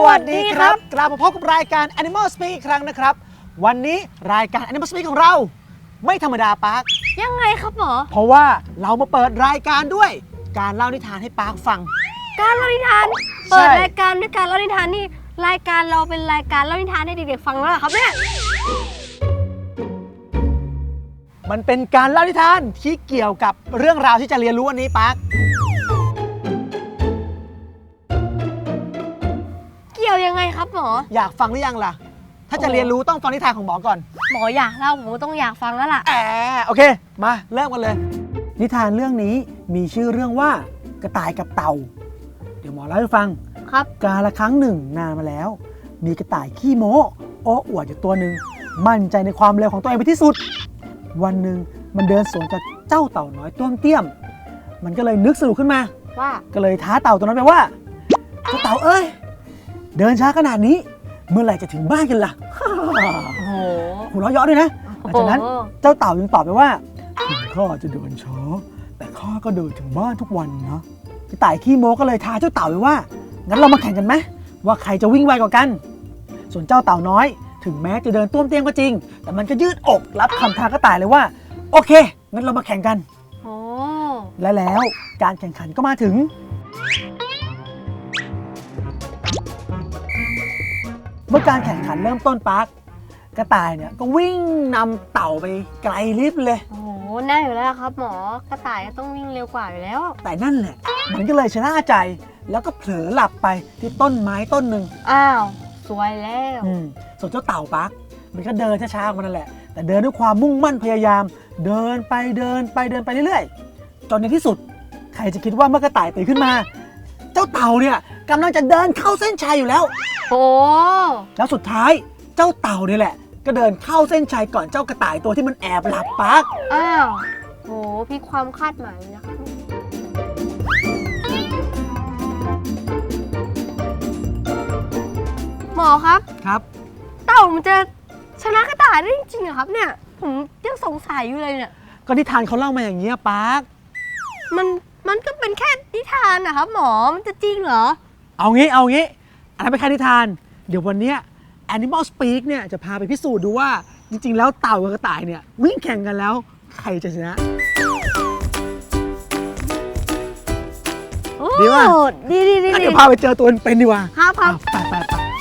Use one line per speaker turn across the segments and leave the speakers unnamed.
วัสดีครับกลับมาพบกับรายการ Animal Speak อีกครั้งนะครับวันนี้รายการ Animal Speak ของเราไม่ธรรมดาปาร์ค
ยังไงครับหมอ
เพราะว่าเรามาเปิดรายการด้วยการเล่านิทานให้ปาร์คฟัง
การเล่านิทานเปิดรายการด้วยการเล่านิทานนี่รายการเราเป็นรายการเล่านิทานให้เด็กๆฟังแล้วเหรอครับเนี่ย
มันเป็นการเล่านิทานที่เกี่ยวกับเรื่องราวที่จะเรียนรู้วันนี้ปาร์ค
เกี่ยวยังไงครับหมอ
อยากฟังหรือยังล่ะถ้าจะเรียนรู้ต้องฟังนิทานของหมอก่อน
หมออยากเล่าผมก็ต้องอยากฟังแล้วล่ะ
โอเคมาเริ่มกันเลยนิทานเรื่องนี้มีชื่อเรื่องว่ากระต่ายกับเต่าเดี๋ยวหมอเล่าให้ฟัง
ครับ
กาละครั้งหนึ่งนานมาแล้วมีกระต่ายขี้โม้โอ้อวดอยู่ตัวหนึ่งมั่นใจในความเร็วของตัวเองเป็นที่สุดวันหนึ่งมันเดินสวนกับเจ้าเต่าน้อยต้วมเตี้ยมมันก็เลยนึกสนุกขึ้นมา
ว่า
ก็เลยท้าเต่าตัวนั้นไปว่าเจ้าเต่าเอ้ยเดินช้าขนาดนี้เมื่อไหร่จะถึงบ้านกันล่ะหัวเราะเยาะด้วยนะหลังจากนั้นเจ้าเต่ายังตอบไปว่าถึงข้าจะเดินช้าแต่ข้าก็เดินถึงบ้านทุกวันนะกระต่ายขี้โม้ก็เลยท้าเจ้าเต่าไปว่างั้นเรามาแข่งกันไหมว่าใครจะวิ่งไวกว่ากันส่วนเจ้าเต่าน้อยถึงแม้จะเดินต้วมเตี้ยมก็จริงแต่มันก็ยืดอกรับคำท้ากระต่ายเลยว่าโอเคงั้นเรามาแข่งกันและแล้วการแข่งขันก็มาถึงเมื่อการแข่งขันเริ่มต้นปาร์คกระต่ายเนี่ยก็วิ่งนำเต่าไปไกลลิบเลย
โอ้โหแน่อยู่แล้วครับหมอกระต่ายต้องวิ่งเร็วกว่าอยู่แล้ว
แต่นั่นแหละมันก็เลยชนะใจแล้วก็เผลอหลับไปที่ต้นไม้ต้นหนึ่ง
อ้าวสวยแล้ว
ส่วนเจ้าเต่าปาร์คมันก็เดินช้าๆของมันนั่นแหละแต่เดินด้วยความมุ่งมั่นพยายามเดินไปเรื่อยๆจนในที่สุดใครจะคิดว่าเมื่อกระต่ายตื่นขึ้นมาเจ้าเต่าเนี่ยกำลังจะเดินเข้าเส้นชัยอยู่แล้ว
โอ้
แล้วสุดท้ายเจ้าเต่านี่แหละก็เดินเข้าเส้นชัยก่อนเจ้ากระต่ายตัวที่มันแอบหลับปาร์ค
อ้าวโหพี่ความคาดหมายนะคะหมอครับเต่ามันจะชนะกระต่ายได้จริงๆเหรอครับเนี่ยผมยังสงสัยอยู่เลยเนี่ย
ก็นิทานเขาเล่ามาอย่างนี้ปาร์ค
มันก็เป็นแค่นิทานนะครับหมอมันจะจริงเหรอ
เอางี้อันนั้นเป็นแค่นิทานเดี๋ยววันนี้ Animal Speak เนี่ยจะพาไปพิสูจน์ดูว่าจริงๆแล้วเต่ากับกระต่ายเนี่ยวิ่งแข่งกันแล้วใครจะชนะ
ดีว่ะดี
เดี๋ยวพาไปเจอตัวเป็นดีกว่า
ครับ
ไป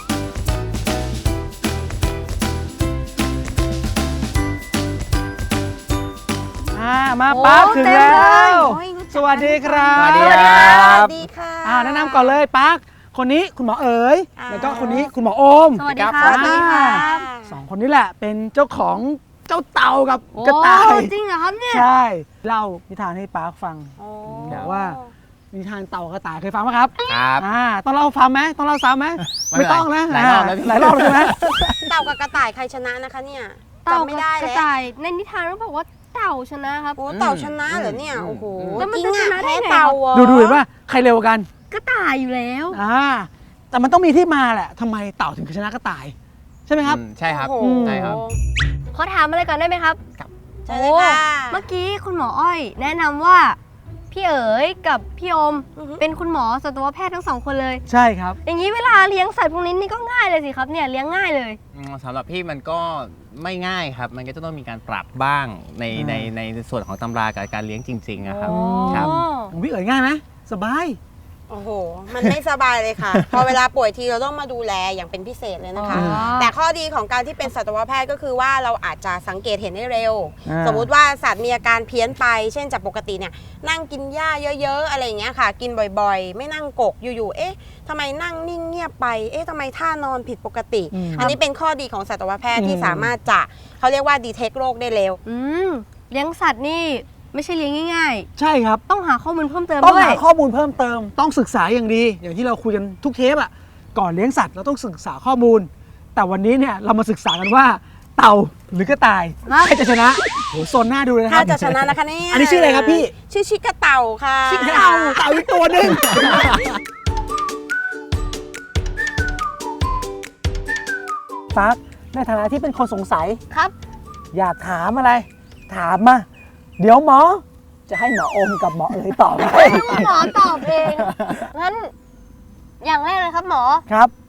มาปาร์คถึงแล้วสวัสดีครับ
สวัสดีครับ
สวัสดีค่ะ
แนะนำก่อนเลยปาร์คคนนี้คุณหมอเอ๋ยแล้วก็คนนี้คุณหมอโอม
สวัสดีครับ
สองคนนี้แหละเป็นเจ้าของเจ้าเต่ากับกระต่าย
จริงเหรอครับเนี่ย
ใช่เล่านิทานให้ปาร์คฟังบอกว่านิทานเต่ากับกระต่ายเคยฟังไหมครับต้องเล่าฟังไหมต้องเล่าซ้ำไหมไม่ต้องนะ
หลายรอบแล้ว
ใช่ไหม
เต่ากับกระต่ายใครชนะนะคะเนี่ยจำไม่ได้
เลยกระต่ายในนิทานเขาบอกว่าเต่าชนะครับ
โอ้เต่าชนะเหรอเนี่ยโอ้โห
แต่มันจะชนะได้ไง
ดูเห็นป่ะใครเร็วกัน
กระต่ายอยู่แล้ว
แต่มันต้องมีที่มาแหละทำไมเต่าถึงชนะกระต่ายใช่ไหมครับ
ใช่ครับ
ขอถามอะไรก่อนได้ไหมครับ
ใช่เลยค่ะ
เมื่อกี้คุณหมออ้อยแนะนำว่าพี่เอ๋ยกับพี่โอมเป็นคุณหมอสัตวแพทย์ทั้งสองคนเลย
ใช่ครับ
อย่างนี้เวลาเลี้ยงสัตว์พวกนี้นี่ก็ง่ายเลยสิครับเนี่ยเลี้ยงง่ายเลย
สำหรับพี่มันก็ไม่ง่ายครับมันก็จะต้องมีการปรับบ้างในส่วนของตำรากับการเลี้ยงจริงๆนะครับ
ของพี่เอ๋ยง่ายไหมสบาย
โอ้โหมันไม่สบายเลยค่ะพอเวลาป่วยทีเราต้องมาดูแลอย่างเป็นพิเศษเลยนะคะแต่ข้อดีของการที่เป็นสัตวแพทย์ก็คือว่าเราอาจจะสังเกตเห็นได้เร็วสมมุติว่าสัตว์มีอาการเพี้ยนไปเช่นจากปกติเนี่ยนั่งกินหญ้าเยอะๆอะไรอย่างเงี้ยค่ะกินบ่อยๆไม่นั่งกกอยู่ๆเอ๊ะทำไมนั่งนิ่งเงียบไปเอ๊ะทำไมท่านอนผิดปกติอันนี้เป็นข้อดีของสัตวแพทย์ที่สามารถจะเขาเรียกว่าดีเทคโรคได้เร็ว
เลี้ยงสัตว์นี่ไม่ใช่เลี้ยงง่าย
ๆใช่ครับ
ต้องหาข้อมูลเพิ่มเติม
ต้องหาข้อมูลเพิ่มเติมต้องศึกษาอย่างดีอย่างที่เราคุยกันทุกเทปอ่ะก่อนเลี้ยงสัตว์เราต้องศึกษาข้อมูลแต่วันนี้เนี่ยเรามาศึกษากันว่าเต่าหรือกระต่ายใครจะชนะโหโซนหน้าดูเลยนะครับ
ถ้าจะชนะนะคะนี่
อันนี้ชื่ออะไรครับพี่
ชื่อชิกระเต่าค่ะ
ชิกระเต่าอีกตัวนึงฟักในฐานะที่เป็นคนสงสัย
ครับ
อยากถามอะไรถามมาเดี๋ยวหมอจะให้หมอโอมกับหมอเอ๋ยตอบ
หมอตอบเองงั้นอย่างแรกเลยครับหมอ
ครับ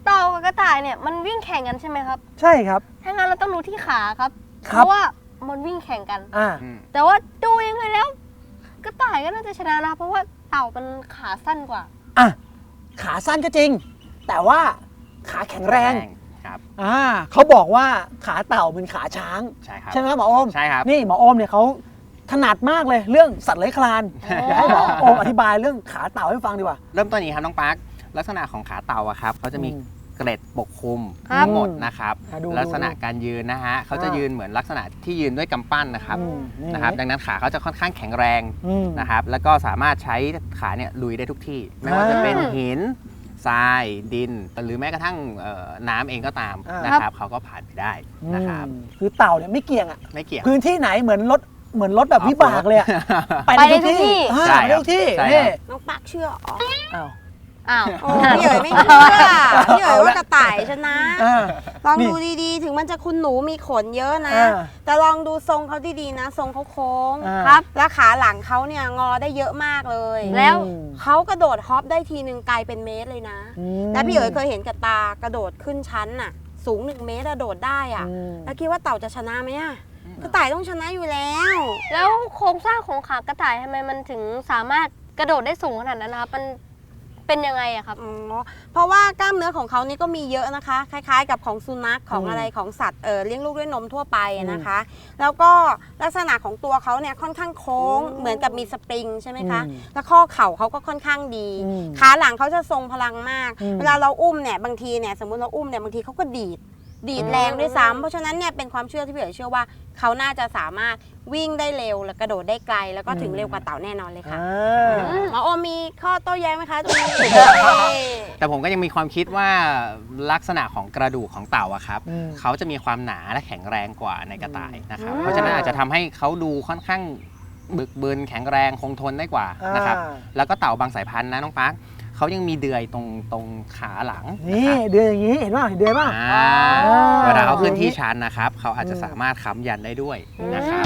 เต่ากับกระต่ายเนี่ยมันวิ่งแข่งกันใช่ไหมครับ
ใช่ครับ
ถ้างั้นเราต้องดูที่ขาครับ
ค
เพ
รับ
ราะว่ามันวิ่งแข่งกัน
อ่า
แต่ว่าดูยังไงแล้วกระต่ายก็น่าจะชนะนะเพราะว่าเต่ามันขาสั้นกว่า
อ่ะขาสั้นก็จริง แต่ว่าขาแข็งแรง
ครับ
เขาบอกว่าขาเต่าเป็นขาช้าง
ใช่ครับ
ใช่ไหมครับหมอโอม
ใช่ครับ
นี่หมอโอมเนี่ยเขาถนัดมากเลยเรื่องสัตว์เลื้อยคลาน อยากให้หมอโอมอธิบายเรื่องขาเต่าให้ฟังดีกว่า
เริ่มต้นอย่างนี้ครับน้องปาร์คลักษณะของขาเต่าอะครับเขาจะมี
อืม
เกล็ดปกคลุม
ครับ
ทั้งหมดนะครับ
ดู
ลักษณะการยืนนะฮะเขาจะยืนเหมือนลักษณะที่ยืนด้วยกำปั้นนะครับ นะครับดังนั้นขาเขาจะค่อนข้างแข็งแรง นะครับแล้วก็สามารถใช้ขาเนี่ยลุยได้ทุกที่ ไม่ว่าจะเป็นหินทรายดิน หรือแม้กระทั่งน้ำเองก็ตามนะครับเขาก็ผ่านไปได้นะครับ
คือเต่าเนี่ยไม่เกี่ยงอ่ะ
ไม่เกี่ยว
พื้นที่ไหนเหมือนรถแบบวิบากเลยอะ
ไปได้ทุกที่
อ่า
ใช่
ไปได้ทุกที่
ใช่
นี่
ครับ
น้องปักเชื่ออ๋อ
อ้าว
อ้าว
โอ้พี่เอ๋ยไม่เชื่อพี่เอ๋ยว่ากระต่ายชนะ
อ่า
ลอง
นี่
ดูดีๆ ถึงมันจะคุณหนูมีขนเยอะนะ
อ่า
แต่ลองดูทรงเขาดีๆนะ ทรงเขาโค้ง
อ่า
ครับ แล้วขาหลังเขาเนี่ยงอได้เยอะมากเลย
แล้ว
เขากระโดดฮอปได้ทีนึงไกลเป็นเมตรเลยนะ
อืม
และพี่เอ๋ยเคยเห็นกับตากระโดดขึ้นชั้นน่ะ สูง1 เมตรอะโดดได้อะ
อืม
แล้วคิดว่าเต่าจะชนะไหมอะกระต่ายต้องชนะอยู่แล้ว
แล้วโครงสร้างของขากระต่ายทำไมมันถึงสามารถกระโดดได้สูงขนาดนั้นนะครับมันเป็นยังไงอะครับ
อ๋อเพราะว่ากล้ามเนื้อของเขานี่ก็มีเยอะนะคะ คล้ายๆ กับของสุนัขของ
อืม
อะไรของสัตว์เลี้ยงลูกด้วยนมทั่วไปนะคะ แล้วก็ลักษณะของตัวเขาเนี่ยค่อนข้างโค้งเหมือนกับมีสปริงใช่ไหมคะ แล้วข้อเข่าเขาก็ค่อนข้างดี
อืม
ขาหลังเขาจะทรงพลังมาก
อืม
เวลาเราอุ้มเนี่ยบางทีเนี่ยสมมติเราอุ้มเนี่ยบางทีเขาก็ดีดแรงด้วยซ้ำเพราะฉะนั้นเนี่ยเป็นความเชื่อที่พี่เอ๋ยเชื่อว่าเขาน่าจะสามารถวิ่งได้เร็วและกระโดดได้ไกล แล้วก็ถึงเร็วกว่าเต่าแน่นอนเลยค่ะ หมอโอมมีข้อโต้แย้งไหมคะตรงนี้
แต่ผมก็ยังมีความคิดว่าลักษณะของกระดูกของเต่าอะครับ
อืม
เขาจะมีความหนาและแข็งแรงกว่าในกระต่ายนะครับ
อืม
เพราะฉะนั้นอาจจะทำให้เขาดูค่อนข้างบึกบึนแข็งแรงคงทนได้กว่านะครับ แล้วก็เต่าบางสายพันธุ์นะน้องปาร์คเขายังมีเดือยตรงขาหลัง
นี่
ะครับ
เดือยอย่างนี้เห็นป่ะเห็นเดือยป่ะ
อ่า
อ๋อ
เวลาเขาขึ้นที่ชันนะครับ เขาอาจจะสามารถค้ำยันได้ด้วยนะครับ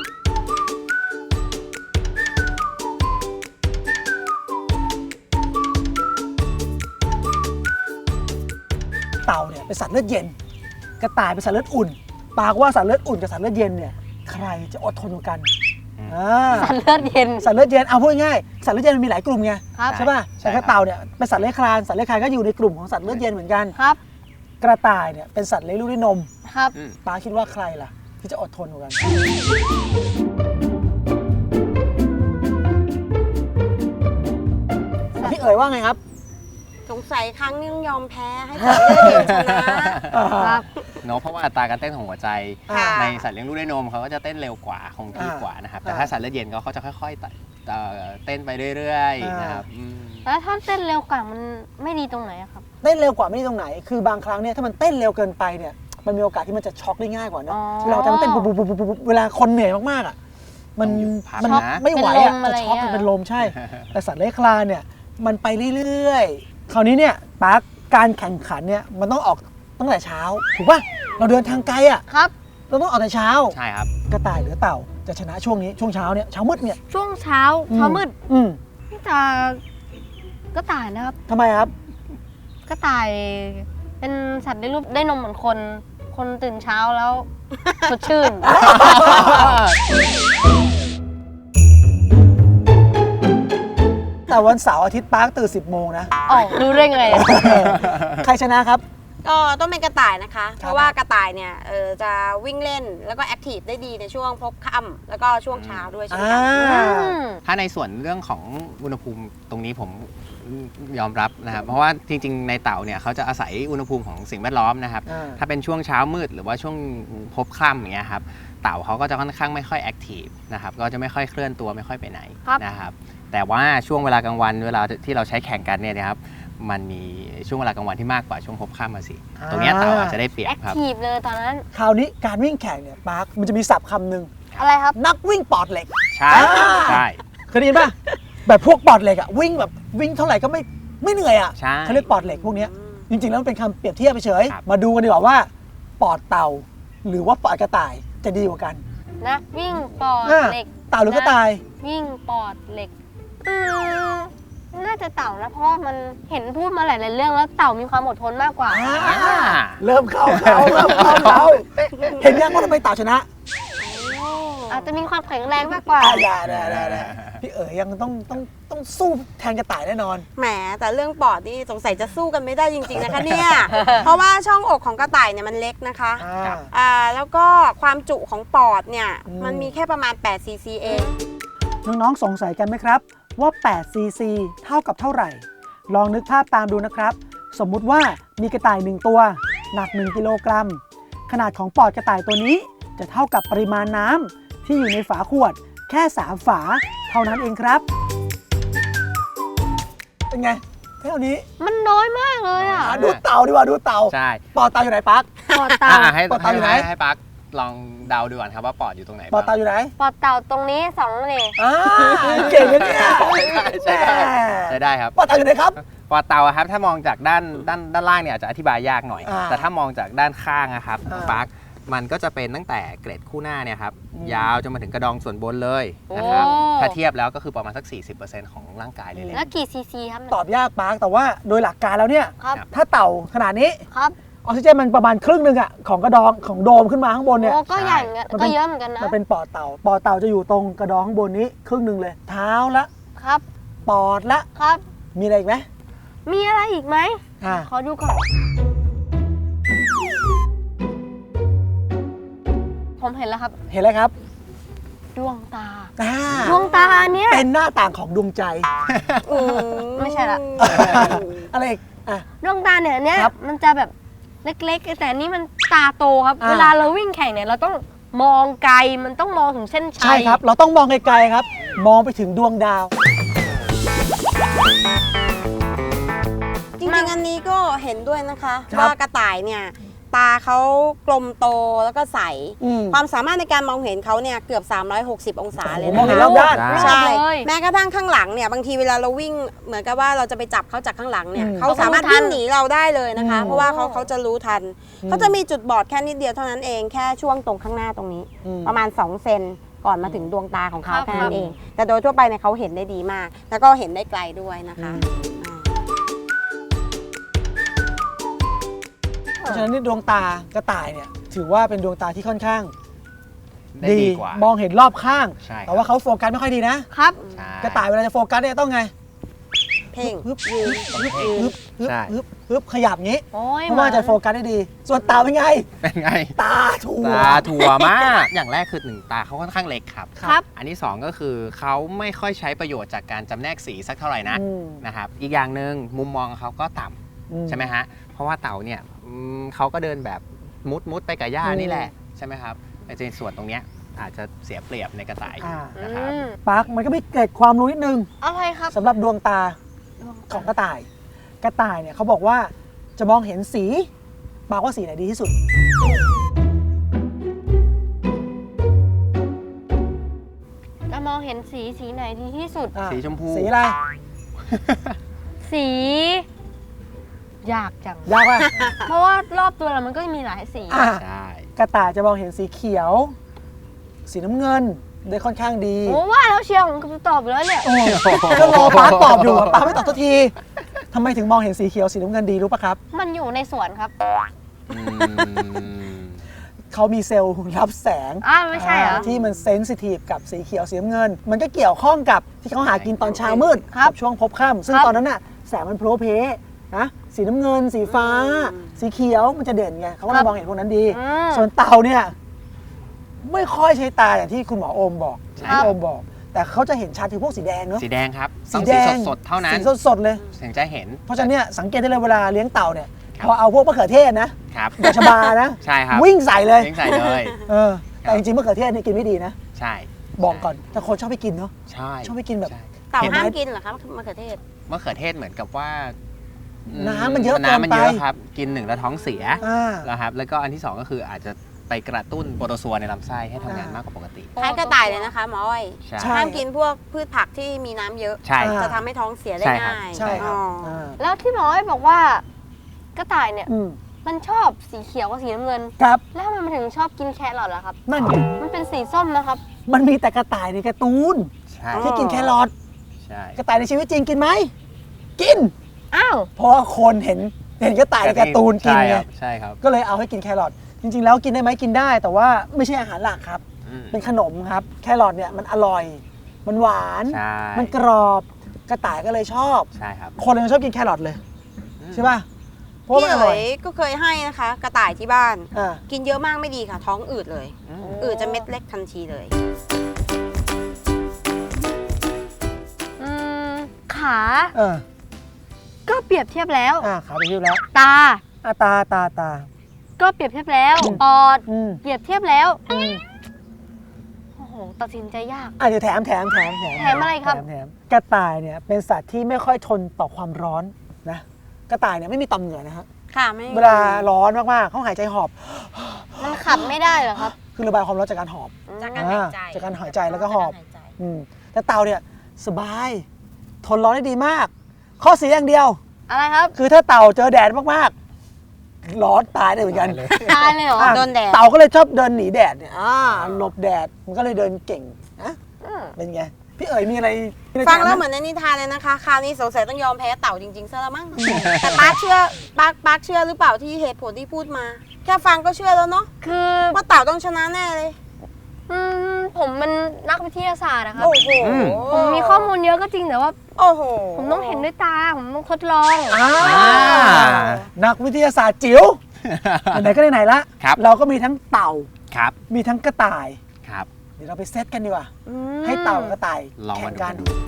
เต่าเนี่ยเป็นสัตว์เลือดเย็น กระต่ายเป็นสัตว์เลือดอุ่น ปากว่าสัตว์เลือดอุ่นกับสัตว์เลือดเย็นเนี่ยใครจะอดทนกว่ากัน
อืม
สัตว์เลือดเย็น
สัตว์เลือดเย็นเอาพูดง่ายๆสัตว์เลือดเย็นมันมีหลายกลุ่มไง
ครับ
ใช่ป่ะ
ใช่
แต่
ครับ
กระเต่าเนี่ยเป็นสัตว์เลื้อยคลานสัตว์เลื้อยคลานก็อยู่ในกลุ่มของสัตว์เลือดเย็นเหมือนกัน
ครับ
กระต่ายเนี่ยเป็นสัตว์เลี้ยงลูกด้วยนม
ครับ
อืม
ปาคิดว่าใครล่ะ ที่จะอดทนกว่ากันพี่เอ๋ยว่าไงครับ
สงสัยครั้งนี้ต้องยอมแพ้ให้สัตว์เลือดเย็นชนะ
ครับ
เนาะเพราะว่าอัตราการเต้นของหัวใจ
ค่ะ
ในสัตว์เลี้ยงลูกด้วยนมเขาก็จะเต้นเร็วกว่าคงที่กว่านะครับ แต่ถ้าสัตว์เลือดเย็นเขาจะค่อยๆเต้นไปเรื่อยๆนะครับอืม
แล้วถ้าเต้นเร็วกว่ามันไม่ดีตรงไหนอะครับ
เต้นเร็วกว่าไม่ได้ตรงไหน คือบางครั้งเนี่ยถ้ามันเต้นเร็วเกินไปเนี่ยมันมีโอกาสที่มันจะช็อกได้ง่ายกว่าเนอะ
อ๋อ
เวลาแต่มันเต้นปุ๊บปุ๊บปุ๊บปุ๊บเวลาคนเหนื่อยมากๆอ่ะมัน
ต้องหยุดพัก
มัน
นะ
ไม่ไหวอ่ะ
เป็นลม
จะช็อก
อะไรอย่างเงี้ย
เป็นลมใช่ แต่สัตว์เลื้อยคลานเนี่ยมันไปเรื่อยๆคราวนี้เนี่ยปาร์คการแข่งขันเนี่ยมันต้องออกตั้งแต่เช้าถูกป่ะเราเดินทางไกลอ่ะ
ครับ
เราต้องออกแต่เช้า
ใช่ครับ
กระต่ายหรือเต่าจะชนะช่วงนี้ช่วงเช้าเนี่ยเช้ามืดเนี่ย
ช่วงเช้ามืด
อืม
นี่จะกระต่ายนะครับ
ทำไมครับ
กระต่ายเป็นสัตว์ได้รูปได้นมเหมือนคน คนตื่นเช้าแล้ว สดชื่น
แต่วันเสาร์อาทิตย์ปาร์คตื่น10 โมงนะ
อ๋อรู้ได้ไงอะ
ใครชนะครับ
ก็ต้องเป็นกระต่ายนะคะ
ครับ
เพราะว่ากระต่ายเนี่ยจะวิ่งเล่นแล้วก็แอคทีฟได้ดีในช่วงพบค่ำแล้วก็ช่วงเช้าด้วยเช่นกัน
อืม
ถ้าในส่วนเรื่องของอุณหภูมิตรงนี้ผมยอมรับนะครับ เพราะว่าจริงๆในเต่าเนี่ยเขาจะอาศัยอุณหภูมิของสิ่งแวดล้อมนะครับ
อ่า
ถ้าเป็นช่วงเช้ามืดหรือว่าช่วงพบค่ำอย่างเงี้ยครับเต่าเขาก็จะค่อนข้างไม่ค่อยแอคทีฟนะครับก็จะไม่ค่อยเคลื่อนตัวไม่ค่อยไปไหน
ครับ
นะครับแต่ว่าช่วงเวลากลางวันเวลาที่เราใช้แข่งกันเนี่ยนะครับมันมีช่วงเวลากลางวันที่มากกว่าช่วงพบค่ำมาสิตรงเนี้ยเต่าอาจจะได้เปรีย
แอบ ค
ครับ
ทีฟเลยตอนนั้น
คราวนี้การวิ่งแข่งเนี่ยปาร์คมันจะมีศัพท์คำหนึ่ง
อะไรครับ
นักวิ่งปอดเหล็ก
ใช่
อ่า
ใช่
เคยได้ยินป่ะ แบบพวกปอดเหล็กอะวิ่งแบบวิ่งเท่าไหร่ก็ไม่เหนื่อยอะ
ใช่
เขาเรียกปอดเหล็กพวกเนี้ยจริงๆแล้วมันเป็นคำเปรียบเทียบเฉย
ครับ
มาดูกันดีกว่าว่า ปอดเต่า หรือว่าปอดกระต่ายจะดีกว่ากัน
นักวิ่งปอด
อ่า
เหล็ก
เต่าหรือกระต่าย
วิ่งปอดเหล็กน่าจะเต่านะเพราะว่ามันเห็นพูดมาหลายๆเรื่องแล้วเต่ามีความอดทนมากกว่า
เริ่มเข้าเห็นยังว่าทำไมเต่าชนะ
อาจจะมีความแข็งแรงมากกว่า
ได้พี่เอ๋ยยังต้องสู้แทนกระต่ายแน่นอน
แหมแต่เรื่องปอดนี่สงสัยจะสู้กันไม่ได้จริงๆนะคะเนี่ย เพราะว่าช่องอกของกระต่ายเนี่ยมันเล็กนะคะแล้วก็ความจุของปอดเนี่ยมันมีแค่ประมาณ8 cc เอง
น้องๆสงสัยกันไหมครับว่า8 cc เท่ากับเท่าไหร่ ลองนึกภาพตามดูนะครับ สมมุติว่ามีกระต่าย1ตัวหนัก1กิโลกรัมขนาดของปอดกระต่ายตัวนี้จะเท่ากับปริมาณน้ำที่อยู่ในฝาขวดแค่3ฝาเท่านั้นเองครับเป็นไงเท่านี้
มันน้อยมากเลยอ่ะ
ดูเต่าดีกว่าดูเต่า
ใช่
ปอดเต่าอยู่ไหนปั๊ก
ปอดเต่า
ให้
ปอดเต่าอยู่ไหน
ให้ปักลองเดาดูก่อนครับว่าปอดอยู่ตรงไหน
ปอดเต่าอยู่ไหน
ปอดเต่าตรงนี้2นี่
เก่งเลยเนี่ย
ใช่ได้ครับ
ปอดเต่าอยู่ไหนครับ
ปอดเต่าอะครับถ้ามองจากด้านล่างเนี่ยอาจจะอธิบายยากหน่อย แต่ถ้ามองจากด้านข้างนะครับปักมันก็จะเป็นตั้งแต่เกร็ดคู่หน้าเนี่ยครับยาวจนมาถึงกระดองส่วนบนเลยนะครับถ้าเทียบแล้วก็คือประมาณสัก 40% ของร่างกายเลยแหละ
แล้วกี่ซีซีครับ
ตอบยากปาร์คแต่ว่าโดยหลักการแล้วเนี่ย
ครับ
ถ้าเต่าขนาดนี้
ครับ
ออกซิเจนมันประมาณครึ่งหนึ่งอะของกระดองของโดมขึ้นมาข้างบนเนี่ย
โอ้ก็ใหญ่เหมือนกัน
มันเป็
ก็
น
เยอะเหมือนกันนะ
มันเป็นปอดเต่าปอดเต่าจะอยู่ตรงกระดองข้างบนนี้ครึ่งหนึ่งเลย เท้าละ
ครับ
ปอดละ
ครับ
มีอะไรอีกไหม
มีอะไรอีกไหม
อ่า
ขอดูก่อน ผมเห็นแล้วครับ
เห็นแล้วครับ
ดวงตา
อ่า
ดวงตาอันเนี้ย
เป็นหน้าต่างของดวงใจ
ไม่ใช่ละ
อะไรอีกอ่ะ
ดวงตาเนี่ย
ครับ
มันจะแบบเล็กๆ แต่อันนี้มันตาโตครับ
อ่า
เวลาเราวิ่งแข่งเนี่ยเราต้องมองไกล มันต้องมองถึงเส้นชัย
ใช่ครับ เราต้องมองไกลๆครับ มองไปถึงดวงดาว
จริงๆอันนี้ก็เห็นด้วยนะคะ
ครับ
ว่ากระต่ายเนี่ยตาเขากลมโตแล้วก็ใส
อืม
ความสามารถในการมองเห็นเขาเนี่ยเกือบ 360 องศาเลย
มอง
นะ
เห็น
คะ
รอบด้าน
ใช่
เลย
แม้กระทั่งข้างหลังเนี่ยบางทีเวลาเราวิ่งเหมือนกับว่าเราจะไปจับเขาจากข้างหลังเนี่ย
อืม
เขาสามารถวิ่งหนีเราได้เลยนะคะ
อืม
เพราะว่าเขาจะรู้ทันเขาจะมีจุดบอดแค่นิดเดียวเท่านั้นเองแค่ช่วงตรงข้างหน้าตรงนี้
อืม
ประมาณ2 เซนก่อนมาถึงดวงตาของเขา
ครับ
แค่นั้นเอง แต่โดยทั่วไปเนี่ยเขาเห็นได้ดีมาก แล้วก็เห็นได้ไกลด้วยนะคะ
เพราะฉะนั้นนี่ดวงตากระต่ายเนี่ยถือว่าเป็นดวงตาที่ค่อนข้าง
ได้ดีกว่าม
องเห็นรอบข้าง
ใช่ครับ
แต่ว่าเขาโฟกัสไม่ค่อยดีนะ
ครับ
ใช่
กระต่ายเวลาจะโฟกัสเนี่ยต้องไง
เพ่ง
ฮึบ
ยืน
ฮึบฮึบฮึบ
ใช่
ฮึบฮึบขยับงี้
โอ้ย
เพราะว่าจะโฟกัสได้ดี ส่วนเต่าเป็นไง
เป็นไง
ตาถั่ว
ตาถั่วมาก อย่างแรกคือหนึ่งตาเขาค่อนข้างเล็กครับ
ครับ
อันที่สองก็คือเขาไม่ค่อยใช้ประโยชน์จากการจำแนกสีสักเท่าไหร่นะ
อืม
นะครับ อีกอย่างหนึ่งมุมมองเขาก็ต่ำ
อื
ใช่ไหมฮะ เพราะว่าเต่าเนี่ยเขาก็เดินแบบมุดไปกับหญ้า
อืม
นี่แหละใช่ไหมครับแต่ในส่วนตรงเนี้ยอาจจะเสียเปรียบในกระต่าย
อ่า
นะครับ
ปาร์คมันก็มีเกร็ดความรู้นิดนึง
อะไรครับ
สำหรับดวงตาของกระต่าย กระต่ายเนี่ยเขาบอกว่าจะมองเห็นสีปาร์คว่าสีไหนดีที่สุด
จะมองเห็นสีไหนดีที่สุด
อ่า
สีชมพู
สีอะไร
สียากจัง
ยากป่ะ
เพราะว่ารอบตัวเรามันก็มีหลายสี
อ่ะ
ใช่
กระต่ายจะมองเห็นสีเขียว สีน้ำเงินได้ค่อนข้างดี
โอ้ว่าแล้วเชียร์ผมตอบอยู่แล้วเนี่ย
โอ้ก็รอปาร์คตอบอยู่ปาร์คไม่ตอบสักทีทำไมถึงมองเห็นสีเขียวสีน้ำเงินดีรู้ปะครับ
มันอยู่ในสวนครับ
อืม
เขามีเซลล์รับแสง
ไม่ใช่เหรอ
ที่มันเซนซิทีฟกับสีเขียวสีน้ำเงิน มันก็เกี่ยวข้องกับที่เขาหากินตอนเช้ามืด
ครับ
กับช่วงพบค่ำซึ่ง
ครับ
ตอนนั้นน่ะแสงมันโพลเพนะสีน้ำเงิน สีฟ้า สีเขียวมันจะเด่นไงเขาก็เลยมองเห็นพวกนั้นดี
อืม
ส่วนเต่าเนี่ยไม่ค่อยใช้ตาอย่างที่คุณหมอโอมบอก
ใช่
ที่โอมบอก แต่เขาจะเห็นชัดคือพวกสีแดงเนาะ
สีแดงครับ
สี
ต้อง
แด
สี
ง
สดๆเท่านั้น
สีสดๆเลย
ถึงจะเห็น
เพราะฉะนั้นเนี่ยสังเกตได้เลยเวลาเลี้ยงเต่าเนี่ย
ครับ
พอเอาพวกมะเขือเทศนะครับ ดอกชบานะ
ใช่ครับ
วิ่งใส่เลย
วิ่งใส่เลย
แต่จริงๆมะเขือเทศเนี่ยกินไม่ดีนะ
ใช่
บอกก่อนแต่คนชอบไปกินเนาะ
ใช่
ชอบไปกินแบบ
ใช่
เต่า
เห็นไหม
ห้ามกินเหรอคะมะเขือเทศ
มะเขือเทศเหมือนกับว่า
น้ำมันเยอะ
น้ำมันเยอะ
เกินไป
ครับ กินหนึ่งแล้วท้องเสีย
อ่า
นะครับ แล้วก็อันที่สองก็คืออาจจะไปกระตุ้นโปรโตซัวในลำไส้ให้ทำงานมากกว่าปกติ
คล้ายกระต่ายเลยนะคะหมออ้อย
ใช่
ใช่
ห้ามกินพวกพืชผักที่มีน้ำเยอะ
ใช่
อ่า
จะทำให้ท้องเสียได้
ใช่ครับ
ง่าย
ใช่ครับ
อ๋อ
อ่า
แล้วที่หมออ้อยบอกว่ากระต่ายเนี่ย
อืม
มันชอบสีเขียวกับสีน้ำเงิน
ครับ
แล้วทำไมมันถึงชอบกินแครอทล่ะครับ
นั่นไง
มันเป็นสีส้มนะครับ
มันมีแต่กระต่ายในการ์ตูน
ใช่
ที่กินแครอท
ใช่
กระต่ายในชีวิตจริงกินไหมกิน
อ้าว
เพราะว่าคนเห็นกระต่ายในการ์ตูนกินไง
ใช่ครับ
ก็เลยเอาให้กินแครอทจริงๆแล้วกินได้ไหมกินได้ แต่ว่าไม่ใช่อาหารหลักครับ เป็นขนมครับแครอทเนี่ยมันอร่อย มันหวาน
ใช่
มันกรอบกระต่ายก็เลยชอบ
ใช่ครับ
คนเลยชอบกินแครอทเลยใช่ป่ะเพราะ
พี่
มันอร่
เอ๋
อย
ยก็เคยให้นะคะ กระต่ายที่บ้าน
อ่า
กินเยอะมากไม่ดีค่ะ ท้องอืดเลย อืดจะเม็ดเล็กทันทีเลย
ขา
เออ
ก็เปรียบเทียบแล้ว
ขาไปชื่อแล้ว
ตา
ตา
ก็เปรียบเทียบแล้ว ปอด เปรียบเทียบแล้ว โอ้โห ตัดสินใจยาก
เดี๋ยวแถม
แถมอะไรครับ
แถมกระต่ายเนี่ยเป็นสัตว์ที่ไม่ค่อยทนต่อความร้อนนะกระต่ายเนี่ยไม่มีต่อมเหงื่อนะฮะ
ค่ะไม่
เวลาร้อนมากๆเขาหายใจหอบ
มันขับไม่ได้เหรอครับ
คือระบายความร้อนจากการหอบ
จากการหายใจ
จากการหายใจแล้วก็หอบ
จาการายใจ
แต่เต่าเนี่ยสบาย ทนร้อนได้ดีมาก ข้อเสียอย่างเดียว
อะไรครับ
คือถ้าเต่าเจอแดดมากๆร้อนตายได้เหมือนกัน
ตายเลยเหรอ
อ่ะ
โดนแดด
เต่าก็เลยชอบเดินหนีแดดเนี่ยหลบแดดมันก็เลยเดินเก่งนะเป็นไงพี่เอ๋ยมีอะไร
ฟังแล้วเหมือนในนิทานเลยนะคะ คราวนี้สงสัยต้องยอมแพ้เต่าจริงๆซะแล้วมั้ง แต่ปาร์คเชื่อปาร์คเชื่อหรือเปล่าที่เหตุผลที่พูดมา แค่ฟังก็เชื่อแล้วเนาะ
คือ
ว่าเต่าต้องชนะแน่เลย
ผมมันนักวิทยาศาสตร์อะครับ
โอ้โห
ผมมีข้อมูลเยอะก็จริงแต่ว่า
โอ้โห
ผมต้องเห็นด้วยตา ผมต้องทดลอง
นักวิทยาศาสตร์จิ๋วไหนๆก็ไหนๆละ
ครับ
เราก็มีทั้งเต่า
ครับ
มีทั้งกระต่าย
ครับ
เดี๋ยวเราไปเซตกันดีกว่า
อืม
ให้เต่ากับกระต่าย
ลอง
แข่
มาง ดู
กัน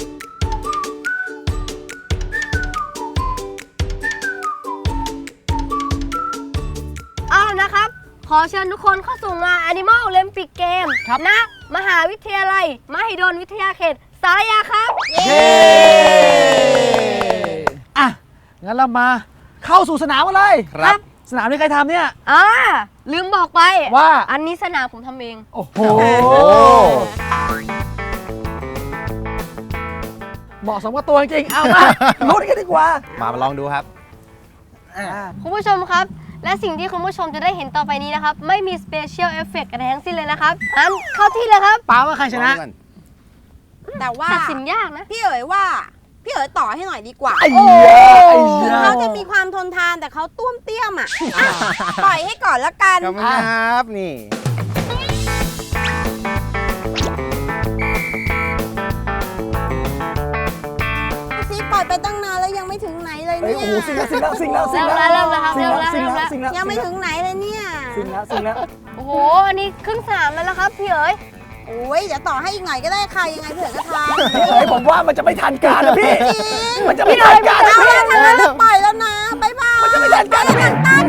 นะครับ ขอเชิญทุกคนเข้าสู่งาน Animal Olympic Game ณมหาวิทยาลัย มหิดลวิทยาเขต สารยาครับ
เย้อ่ะงั้นเรามาเข้าสู่สนามกันเลย
ครับ
สนามที่ใครทำเนี่ย
ลืมบอกไป
ว่า
อันนี้สนามผมทำเอง
โอ้โห เหมาะสมกับตัวจริงๆเอามาลุ้นกันดีกว่า
มาลองดูครับ
คุณผู้ชมครับ และสิ่งที่คุณผู้ชมจะได้เห็นต่อไปนี้นะครับ ไม่มี Special Effect อะไรทั้งสิ้นเลยนะครับงั้นเข้าที่เลยครับ
ป้าว่าใครชนะ
แต่ว่า
ตัดสินยากนะ
พี่เอ๋ยว่า พี่เอ๋ยต่อให้หน่อยดีกว่า
ไอ้เหี้ยไอ้เหี้ย
เขาจะมีความทนทานแต่เขาต้วมเตี้ยมอ่ะ ปล่อยให้ก่อนละกัน
ขอบคุณครับนี่
ซีปล่อยไปตั้งนานแล้วยังไม่ถึงไหนเลย
เฮ้ย
เนี่ย
โอ้โหสิงแล้วสิงแล้วสิงแล้วสิง
เริ่
แล้ว
มแล้วครับ
สิง
เริ่ม
แล้ว
แล้ว
สิง
เริ่ม
แล้
แล้ว ว
สิงแล้ว
ยังไม่ถึงไหนเลยเนี่ย
สิงแล้วสิงแล้ว
โอ้โห อันนี้ครึ่งสนามแล้วนะครับพี่เอ๋ย
โอ้ยเดี๋ยวต่อให้อีกหน่อยก็ได้ค่ะยังไงเผื่อก็ทาน
พี่เอ๋ยผมว่ามันจะไม่ทันการนะพี่ มันจะไม่ทันการนะ
เอา
พี่
ละทางนั้นเราปล่อยแล้วนะบ๊ายบาย
มันจะไม่ทันการนะพี่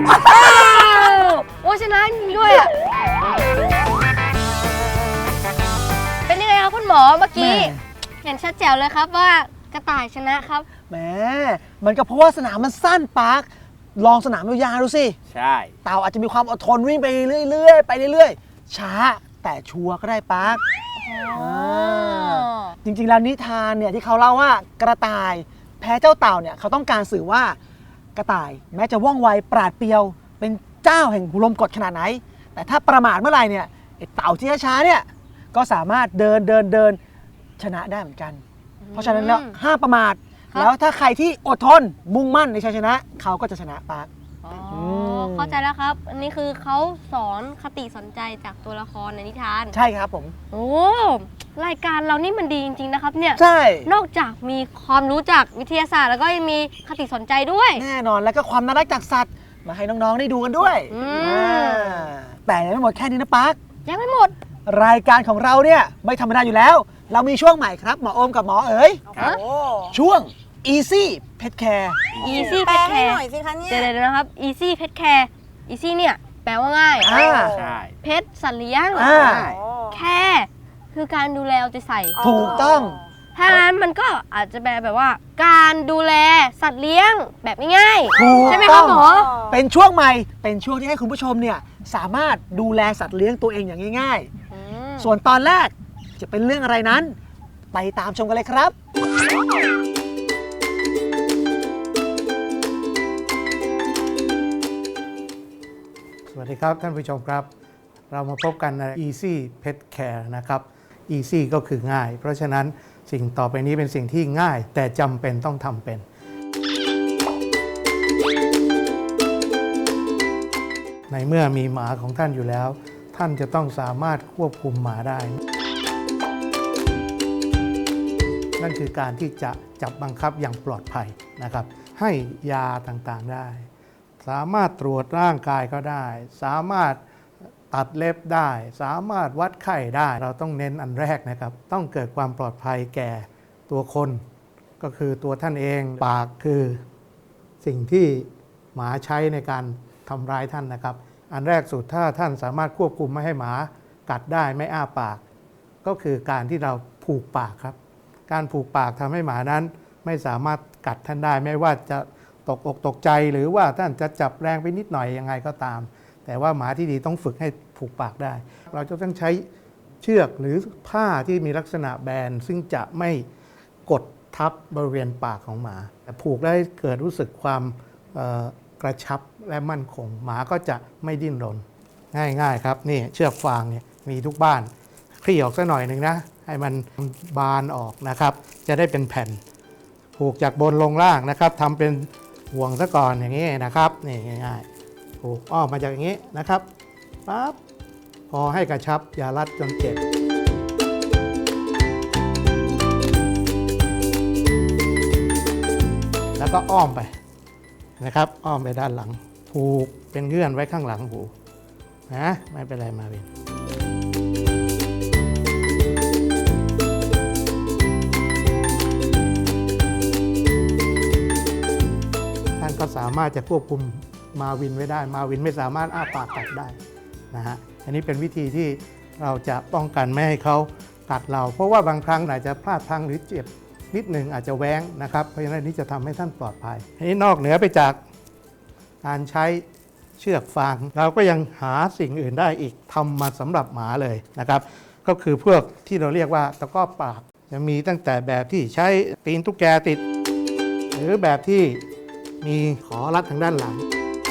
โอ้ชนะจริงด้วยอะเป็นยังไงครับคุณหมอเมื่อกี้ เห็นชัดแจ๋วเลยครับว่ากระต่ายชนะครับ
แหมมันก็เพราะว่าสนามมันสั้นปาร์คลองสนามยาวๆดูสิ
ใช่
เต่าอาจจะมีความอดทนวิ่งไปเรื่อยๆไปเรื่อยๆช้าแต่ชัวร์ก็ได้ปาร์คจริงๆแล้วนิทานเนี่ยที่เขาเล่าว่ากระต่ายแพ้เจ้าเต่าเนี่ยเขาต้องการสื่อว่ากระต่ายแม้จะว่องไวปราดเปรียว เป็นเจ้าแห่งลมกดขนาดไหน แต่ถ้าประมาทเมื่อไหร่เนี่ยไอ้เต่าที่ช้าๆเนี่ยก็สามารถเดินชนะได้เหมือนกัน เพราะฉะนั้นแล้วห้ามประมาท
ครับ
แล้วถ้าใครที่อดทนมุ่งมั่นในชัยชนะเขาก็จะชนะปาร์ค
เข้าใจแล้วครับ อันนี้คือเขาสอนคติสนใจจากตัวละครในนิทาน
ใช่ครับผม
โอ้รายการเรานี่มันดีจริงๆนะครับเนี่ย
ใช่
นอกจากมีความรู้จากวิทยาศาสตร์แล้วก็ยังมีคติสนใจด้วย
แน่นอนแล้วก็ความน่ารักจากสัตว์มาให้น้องๆได้ดูกันด้วย
อืม
แต่ยังไม่หมดแค่นี้นะปาร์ค
ยังไม่หมด
รายการของเราเนี่ยไม่ธรรมดาอยู่แล้ว เรามีช่วงใหม่ครับหมอโอมกับหมอเอ๋ย
ครับ
โอ้
ช่วง Easy Pet Care
Easy
แปล
Pet
ให้
Care
หน่อยสิคะเนี่ย
เดี๋ยวนะครับ Easy Pet Care Easy เนี่ยแปลว่าง่าย
ใช่
เพชสัตว์เลี้ยง
อ่า
แค่คือการดูแลเอาใจใส่
ถูกต้อง
ถ้างั้นมันก็อาจจะแปลแบบว่า การดูแลสัตว์เลี้ยงแบบง่าย
ถูก
ๆใช่ไหมค
ต้
รั
อบ ง
หมอ
เป็นช่วงใหม่เป็นช่วงที่ให้คุณผู้ชมเนี่ยสามารถดูแลสัตว์เลี้ยงตัวเองอย่างง่ายๆ ส่วนตอนแรกจะเป็นเรื่องอะไรนั้น ไปตามชมกันเลยครับ
สวัสดีครับท่านผู้ชมครับ เรามาพบกันใน Easy Pet Care นะครับ Easy ก็คือง่าย เพราะฉะนั้นสิ่งต่อไปนี้เป็นสิ่งที่ง่าย แต่จำเป็นต้องทำเป็นในเมื่อมีหมาของท่านอยู่แล้ว ท่านจะต้องสามารถควบคุมหมาได้ นั่นคือการที่จะจับบังคับอย่างปลอดภัยนะครับ ให้ยาต่างๆได้ สามารถตรวจร่างกายก็ได้ สามารถตัดเล็บได้ สามารถวัดไข้ได้ เราต้องเน้นอันแรกนะครับ ต้องเกิดความปลอดภัยแก่ตัวคนก็คือตัวท่านเอง ปากคือสิ่งที่หมาใช้ในการทำร้ายท่านนะครับ อันแรกสุดถ้าท่านสามารถควบคุมไม่ให้หมากัดได้ไม่อ้าปาก ก็คือการที่เราผูกปากครับ การผูกปากทำให้หมานั้นไม่สามารถกัดท่านได้ไม่ว่าจะตกอกตกใจหรือว่าท่านจะจับแรงไปนิดหน่อยยังไงก็ตาม แต่ว่าหมาที่ดีต้องฝึกให้ผูกปากได้ เราจะต้องใช้เชือกหรือผ้าที่มีลักษณะแบนซึ่งจะไม่กดทับบริเวณปากของหมาแต่ผูกได้เกิดรู้สึกความกระชับและมั่นคงหมาก็จะไม่ดิ้นรนง่ายๆครับนี่เชือกฟางเนี่ยมีทุกบ้านคลี่ออกสักหน่อยหนึ่งนะให้มันบานออกนะครับจะได้เป็นแผ่นผูกจากบนลงล่างนะครับทำเป็นห่วงซะก่อนอย่างนี้นะครับนี่ง่ายๆผูกอ้อมมาจากอย่างนี้นะครับปั๊บพอให้กระชับอย่ารัดจนเจ็บแล้วก็อ้อมไปนะครับอ้อมไปด้านหลังผูกเป็นเงื่อนไว้ข้างหลังหูนะไม่เป็นไรมาวินท่านก็สามารถจะควบคุมมาวินไว้ได้มาวินไม่สามารถอ้าปากกัดได้นะฮะอันนี้เป็นวิธีที่เราจะป้องกันไม่ให้เขากัดเราเพราะว่าบางครั้งอาจจะพลาดพลั้งหรือเจ็บนิดหนึ่งอาจจะแว้งนะครับเพราะฉะนั้นนี้จะทำให้ท่านปลอดภัยอันนี้นอกเหนือไปจากการใช้เชือกฟางเราก็ยังหาสิ่งอื่นได้อีกทำมาสำหรับหมาเลยนะครับก็คือพวกที่เราเรียกว่าตะกร้อปากจะมีตั้งแต่แบบที่ใช้ตีนตุ๊กแกติดหรือแบบที่มีขอรัดทางด้านหลัง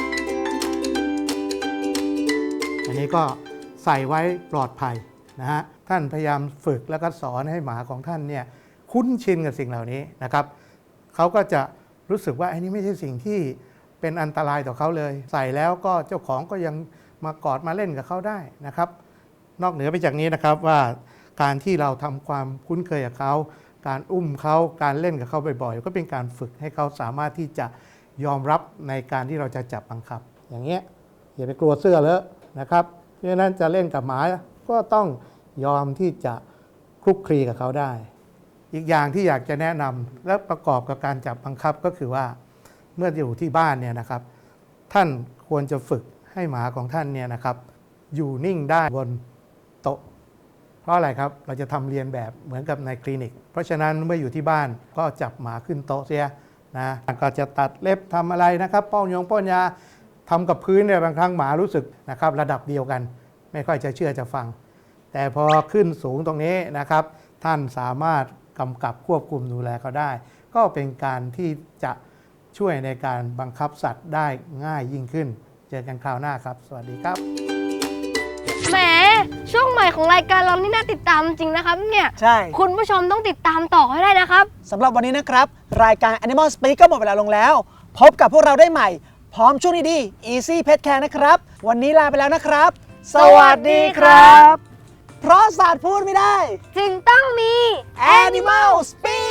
อันนี้ก็ใส่ไว้ปลอดภัยนะฮะท่านพยายามฝึกแล้วก็สอนให้หมาของท่านเนี่ยคุ้นชินกับสิ่งเหล่านี้นะครับเขาก็จะรู้สึกว่าอันนี้ไม่ใช่สิ่งที่เป็นอันตรายต่อเขาเลยใส่แล้วก็เจ้าของก็ยังมากอดมาเล่นกับเขาได้นะครับนอกเหนือไปจากนี้นะครับว่าการที่เราทำความคุ้นเคยกับเขาการอุ้มเขาการเล่นกับเขาบ่อยๆก็เป็นการฝึกให้เขาสามารถที่จะยอมรับในการที่เราจะจับบังคับอย่างเงี้ยอย่าไปกลัวเสื้อเลอะนะครับเพราะฉะนั้นจะเล่นกับหมาก็ต้องยอมที่จะคลุกคลีกับเขาได้อีกอย่างที่อยากจะแนะนำและประกอบกับการจับบังคับก็คือว่าเมื่ออยู่ที่บ้านเนี่ยนะครับท่านควรจะฝึกให้หมาของท่านเนี่ยนะครับอยู่นิ่งได้บนโต๊ะเพราะอะไรครับเราจะทำเรียนแบบเหมือนกับในคลินิกเพราะฉะนั้นเมื่ออยู่ที่บ้านก็จับหมาขึ้นโต๊ะเสียนะก็จะตัดเล็บทำอะไรนะครับป้อนยาทำกับพื้นเนี่ยบางครั้งหมารู้สึกนะครับระดับเดียวกันไม่ค่อยจะเชื่อจะฟังแต่พอขึ้นสูงตรงนี้นะครับท่านสามารถกำกับควบคุมดูแลเขาได้ก็เป็นการที่จะช่วยในการบังคับสัตว์ได้ง่ายยิ่งขึ้นเจอกันคราวหน้าครับสวัสดีครับ
แหมช่วงใหม่ของรายการเรานี่น่าติดตามจริงนะครับเนี่ย
ใช่
คุณผู้ชมต้องติดตามต่อให้ได้นะครับ
สำหรับวันนี้นะครับรายการ Animal Speak ก็หมดเวลาลงแล้วพบกับพวกเราได้ใหม่พร้อมช่วงดีๆ Easy Pet Care นะครับวันนี้ลาไปแล้วนะครับสวัสดีครับเพราะสัตว์พูดไม่ได้
จึงต้องมี
Animal Speak